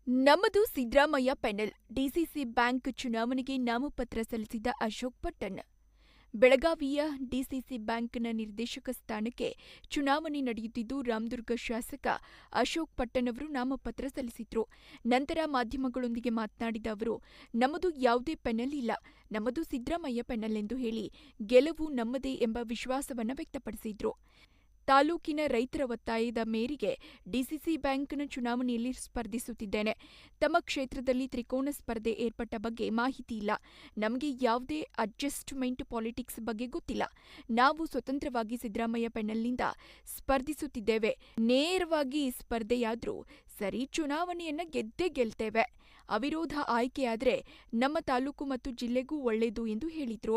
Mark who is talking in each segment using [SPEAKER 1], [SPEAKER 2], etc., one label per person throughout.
[SPEAKER 1] ನಮ್ಮದು Siddaramaiah panel. DCC bank ಚುನಾವಣೆಗೆ ನಾಮಪತ್ರ ಸಲ್ಲಿಸಿದ ಅಶೋಕ್ ಪಟ್ಟಣ್. ಬೆಳಗಾವಿಯ ಡಿಸಿಸಿ ಬ್ಯಾಂಕ್ನ ನಿರ್ದೇಶಕ ಸ್ಥಾನಕ್ಕೆ ಚುನಾವಣೆ ನಡೆಯುತ್ತಿದ್ದು, ರಾಮದುರ್ಗ ಶಾಸಕ ಅಶೋಕ್ ಪಟ್ಟಣ್ ಅವರು ನಾಮಪತ್ರ ಸಲ್ಲಿಸಿದ್ರು. ನಂತರ ಮಾಧ್ಯಮಗಳೊಂದಿಗೆ ಮಾತನಾಡಿದ ಅವರು, ನಮ್ಮದು ಯಾವುದೇ ಪೆನಲ್ ಇಲ್ಲ, ನಮ್ಮದು ಸಿದ್ದರಾಮಯ್ಯ ಪೆನಲ್ ಎಂದು ಹೇಳಿ ಗೆಲುವು ನಮ್ಮದೇ ಎಂಬ ವಿಶ್ವಾಸವನ್ನು ವ್ಯಕ್ತಪಡಿಸಿದ್ರು. ತಾಲೂಕಿನ ರೈತರ ಒತ್ತಾಯದ ಮೇರೆಗೆ ಡಿಸಿಸಿ ಬ್ಯಾಂಕ್ನ ಚುನಾವಣೆಯಲ್ಲಿ ಸ್ಪರ್ಧಿಸುತ್ತಿದ್ದೇನೆ. ತಮ್ಮ ಕ್ಷೇತ್ರದಲ್ಲಿ ತ್ರಿಕೋನ ಸ್ಪರ್ಧೆ ಏರ್ಪಟ್ಟ ಬಗ್ಗೆ ಮಾಹಿತಿ ಇಲ್ಲ. ನಮಗೆ ಯಾವುದೇ ಅಡ್ಜಸ್ಟ್ಮೆಂಟ್ ಪಾಲಿಟಿಕ್ಸ್ ಬಗ್ಗೆ ಗೊತ್ತಿಲ್ಲ. ನಾವು ಸ್ವತಂತ್ರವಾಗಿ ಸಿದ್ದರಾಮಯ್ಯ ಪೆನಲ್ನಿಂದ ಸ್ಪರ್ಧಿಸುತ್ತಿದ್ದೇವೆ. ನೇರವಾಗಿ ಸ್ಪರ್ಧೆಯಾದ್ರೂ ಸರಿ, ಚುನಾವಣೆಯನ್ನ ಗೆದ್ದೇ ಗೆಲ್ತೇವೆ. ಅವಿರೋಧ ಆಯ್ಕೆಯಾದ್ರೆ ನಮ್ಮ ತಾಲೂಕು ಮತ್ತು ಜಿಲ್ಲೆಗೂ ಒಳ್ಳೆಯದು ಎಂದು ಹೇಳಿದ್ರು.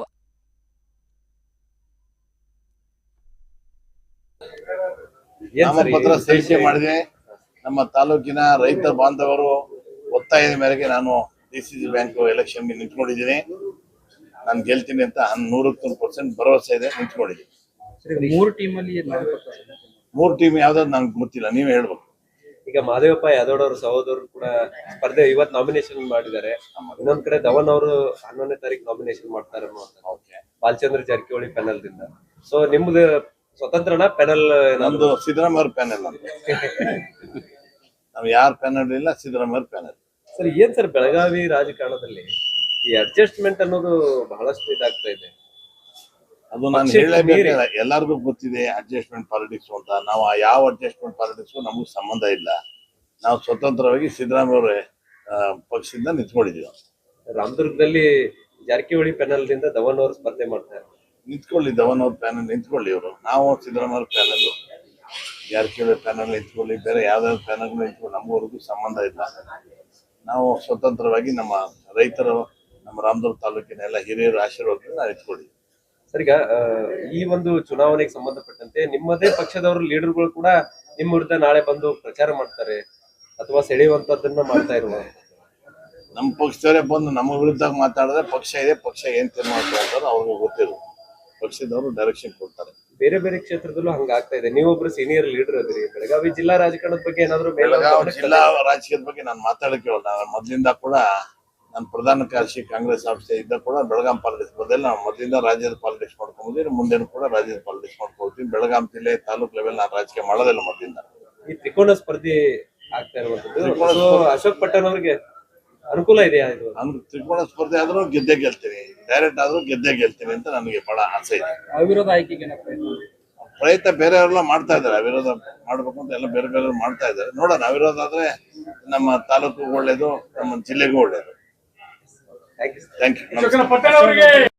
[SPEAKER 2] ನಾಮಪತ್ರ ಸಲ್ಲಿಕೆ ಮಾಡಿದೆ. ನಮ್ಮ ತಾಲೂಕಿನ ರೈತ ಬಾಂಧವರು ಒತ್ತಾಯದ ಮೇರೆಗೆ ನಾನು ಡಿಸಿಸಿ ಬ್ಯಾಂಕ್ ಎಲೆಕ್ಷನ್ಗೆ ನಿಂತ್ಕೊಂಡಿದ್ದೀನಿ. ನಾನು ಗೆಲ್ತೀನಿ ಅಂತ 100% ಭರವಸೆ ಇದೆ, ನಿಂತ್ಕೊಂಡಿದ್ದೀನಿ. ಮೂರು ಟೀಮ್ ಯಾವ್ದಾದ್ರು ನಂಗೆ ಗೊತ್ತಿಲ್ಲ, ನೀವೇ ಹೇಳ್ಬೇಕು.
[SPEAKER 3] ಈಗ ಮಹದೇವಪ್ಪ ಯಾದವ್ ಅವರ ಸಹೋದರರು ಕೂಡ ಸ್ಪರ್ಧೆ ಇವತ್ತು ನಾಮಿನೇಷನ್ ಮಾಡಿದ್ದಾರೆ. ಇನ್ನೊಂದ್ ಕಡೆ ಧವನ್ ಅವರು 11ನೇ ತಾರೀಕು ನಾಮಿನೇಷನ್ ಮಾಡ್ತಾರೆ ಬಾಲಚಂದ್ರ ಜಾರಕಿಹೊಳಿ ಪ್ಯಾನಲ್ ದಿಂದ. ಸೊ ನಿಮ್ದು ಸ್ವತಂತ್ರನ ಪ್ಯಾನಲ್?
[SPEAKER 2] ನಮ್ದು ಸಿದ್ದರಾಮಯ್ಯ ಪ್ಯಾನಲ್. ನಾವು ಯಾರ ಪ್ಯಾನಲ್ ಇಲ್ಲ, ಸಿದ್ದರಾಮಯ್ಯ ಪ್ಯಾನಲ್.
[SPEAKER 3] ಸರ್, ಏನ್ ಸರ್ ಬೆಳಗಾವಿ ರಾಜಕಾರಣದಲ್ಲಿ ಈ ಅಡ್ಜಸ್ಟ್ಮೆಂಟ್ ಅನ್ನೋದು ಬಹಳಷ್ಟು ಇದಾಗ್ತಾ ಇದೆ.
[SPEAKER 2] ಅದು ನಾನು ಹೇಳಲೇಬೇಕು, ಎಲ್ಲರಿಗೂ ಗೊತ್ತಿದೆ ಅಡ್ಜಸ್ಟ್ಮೆಂಟ್ ಪಾಲಿಟಿಕ್ಸ್ ಅಂತ. ನಾವು ಯಾವ ಅಡ್ಜಸ್ಟ್ಮೆಂಟ್ ಪಾಲಿಟಿಕ್ಸ್ ನಮಗೂ ಸಂಬಂಧ ಇಲ್ಲ. ನಾವು ಸ್ವತಂತ್ರವಾಗಿ ಸಿದ್ದರಾಮಯ್ಯ ಅವರ ಪಕ್ಷದಿಂದ ನಿಂತ್ಕೊಂಡಿದ್ದೀವಿ.
[SPEAKER 3] ರಾಮದುರ್ಗದಲ್ಲಿ ಜಾರಕಿಹೊಳಿ ಪ್ಯಾನಲ್ ದಿಂದ ಧವನ್ ಅವರು ಸ್ಪರ್ಧೆ ಮಾಡ್ತಾರೆ.
[SPEAKER 2] ನಿಂತ್ಕೊಳ್ಳಿ, ಧವನ್ ಅವ್ರ ಪ್ಯಾನಲ್ ನಿಂತ್ಕೊಳ್ಳಿ. ಇವರು ನಾವು ಸಿದ್ದರಾಮಯ್ಯ ಪ್ಯಾನಲ್, ಜಾರಕಿಹೊಳಿ ಪ್ಯಾನಲ್ ನಿಂತ್ಕೊಳ್ಳಿ, ಬೇರೆ ಯಾವ್ದಾದ್ರು ಪ್ಯಾನಲ್ ನಿಂತ್ಕೊಳ್ಳಿ, ನಮಗವರೆಗೂ ಸಂಬಂಧ ಇಲ್ಲ. ನಾವು ಸ್ವತಂತ್ರವಾಗಿ ನಮ್ಮ ರೈತರು, ನಮ್ಮ ರಾಮದುರ್ಗ ತಾಲೂಕಿನ ಎಲ್ಲ ಹಿರಿಯರ ಆಶೀರ್ವಾದದಿಂದ ನಿಂತ್ಕೊಳ್ಳಿ.
[SPEAKER 3] ಸರ್, ಈಗ ಈ ಒಂದು ಚುನಾವಣೆಗೆ ಸಂಬಂಧಪಟ್ಟಂತೆ ನಿಮ್ಮದೇ ಪಕ್ಷದವರು ಲೀಡರ್ಗಳು ಕೂಡ ನಿಮ್ಮ ವಿರುದ್ಧ ನಾಳೆ ಬಂದು ಪ್ರಚಾರ ಮಾಡ್ತಾರೆ ಅಥವಾ ಸೆಳೆಯುವಂತದ್ದನ್ನ ಮಾಡ್ತಾ ಇರುವ?
[SPEAKER 2] ನಮ್ಮ ಪಕ್ಷದವರೇ ಬಂದು ನಮ್ಮ ವಿರುದ್ಧ ಮಾತಾಡಿದ್ರೆ ಪಕ್ಷ ಇದೆ, ಪಕ್ಷ ಏನ್ ತೀರ್ಮಾನ ಮಾಡ್ತಾರೆ ಅವ್ರಿಗೆ ಗೊತ್ತಿಲ್ಲ. ಪಕ್ಷದವರು ಡೈರೆಕ್ಷನ್ ಕೊಡ್ತಾರೆ.
[SPEAKER 3] ಬೇರೆ ಬೇರೆ ಕ್ಷೇತ್ರದಲ್ಲೂ ಹಂಗಾಗ್ತಾ ಇದೆ. ನೀವೊಬ್ರು ಸೀನಿಯರ್ ಲೀಡರ್ ಅದ್ರಿ. ಬೆಳಗಾವಿ ಜಿಲ್ಲಾ ರಾಜಕಾರಣದ ಬಗ್ಗೆ ಏನಾದ್ರು?
[SPEAKER 2] ಬೆಳಗಾವಿ ಜಿಲ್ಲಾ ರಾಜಕೀಯದ ಬಗ್ಗೆ ನಾನು ಮಾತಾಡಕ್ಕೆ ಮೊದಲಿಂದ ಕೂಡ ನಾನು ಪ್ರಧಾನ ಕಾರ್ಯದರ್ಶಿ ಕಾಂಗ್ರೆಸ್ ಆಫೀಸ್ ಇದ್ದ ಕೂಡ ಬೆಳಗಾಂ ಪಾಲಿಟಿಕ್ಸ್ ಬದಲು ನಾವು ಮೊದಲಿಂದ ರಾಜ್ಯದ ಪಾಲಿಟಿಕ್ಸ್ ಮಾಡ್ಕೊಂಡಿದ್ದೀನಿ. ಮುಂದೇನು ಕೂಡ ರಾಜ್ಯದ ಪಾಲಿಟಿಕ್ಸ್ ಮಾಡ್ಕೊಳ್ತೀನಿ. ಬೆಳಗಾಂ ಜಿಲ್ಲೆ ತಾಲೂಕ್ ಲೆವೆಲ್ ನಾನು ರಾಜಕೀಯ ಮಾಡೋದಿಲ್ಲ ಮೊದಲಿಂದ.
[SPEAKER 3] ಈ ತ್ರಿಕೋನ ಸ್ಪರ್ಧೆ ಆಗ್ತಾ ಇರುವಂತದ್ದು ಅಶೋಕ್ ಪಟ್ಟಣ್ ಅವರಿಗೆ ಅನುಕೂಲ ಇದೆಯಾ? ಇದು
[SPEAKER 2] ತ್ರಿಕೋನ ಸ್ಪರ್ಧೆ ಆದ್ರೂ ಗೆದ್ದೇ ಗೆಲ್ತೀನಿ, ಡೈರೆಕ್ಟ್ ಆದ್ರೂ ಗೆದ್ದೇ ಗೆಲ್ತೀನಿ ಅಂತ ನನಗೆ ಬಹಳ ಆಸೆ ಇದೆ.
[SPEAKER 3] ಅವಿರೋಧ ಆಯ್ಕೆಗೆ
[SPEAKER 2] ಪ್ರಯತ್ನ ಬೇರೆಯವರೆಲ್ಲ ಮಾಡ್ತಾ ಇದ್ದಾರೆ. ಅವಿರೋಧ ಮಾಡ್ಬೇಕು ಅಂತ ಎಲ್ಲ ಬೇರೆ ಬೇರೆ ಮಾಡ್ತಾ ಇದ್ದಾರೆ. ನೋಡೋಣ, ಅವಿರೋಧ ಆದ್ರೆ ನಮ್ಮ ತಾಲೂಕಿಗೂ ಒಳ್ಳೇದು, ನಮ್ಮ ಜಿಲ್ಲೆಗೂ ಒಳ್ಳೇದು.
[SPEAKER 3] Thank you.